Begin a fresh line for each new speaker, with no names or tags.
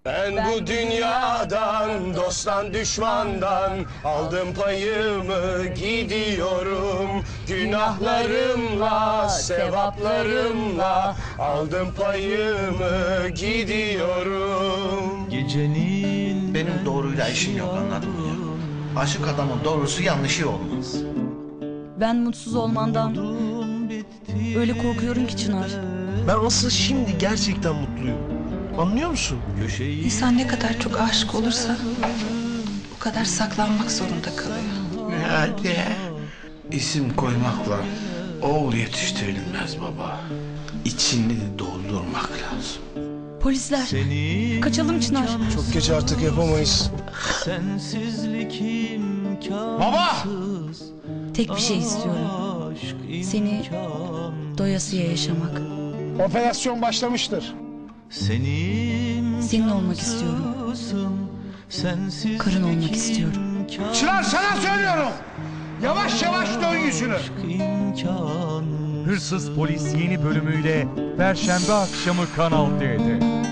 Ben bu dünyadan, dosttan düşmandan aldım payımı gidiyorum. Günahlarımla, sevaplarımla aldım payımı gidiyorum.
Gecenin
Benim doğruyla işim yok, anladın mı ya? Aşık adamın doğrusu yanlışı olmaz.
Ben mutsuz olmandan öyle korkuyorum ki Çınar.
Ben asıl şimdi gerçekten mutluyum. Anlıyor musun?
İnsan ne kadar çok aşık olursa o kadar saklanmak zorunda kalıyor.
Hadi. İsim koymakla oğul yetiştirilmez baba. İçini doldurmak lazım.
Polisler, kaçalım Çınar.
Çok geç artık yapamayız.
sensizlik imkansız.
Baba!
Tek bir şey istiyorum. Seni doyasıya yaşamak.
Operasyon başlamıştır.
Senin olmak istiyorum. Karın olmak istiyorum.
Çınar, sana söylüyorum. Yavaş yavaş dön yüzünü.
Hırsız Polis yeni bölümüyle Perşembe akşamı Kanal D'de.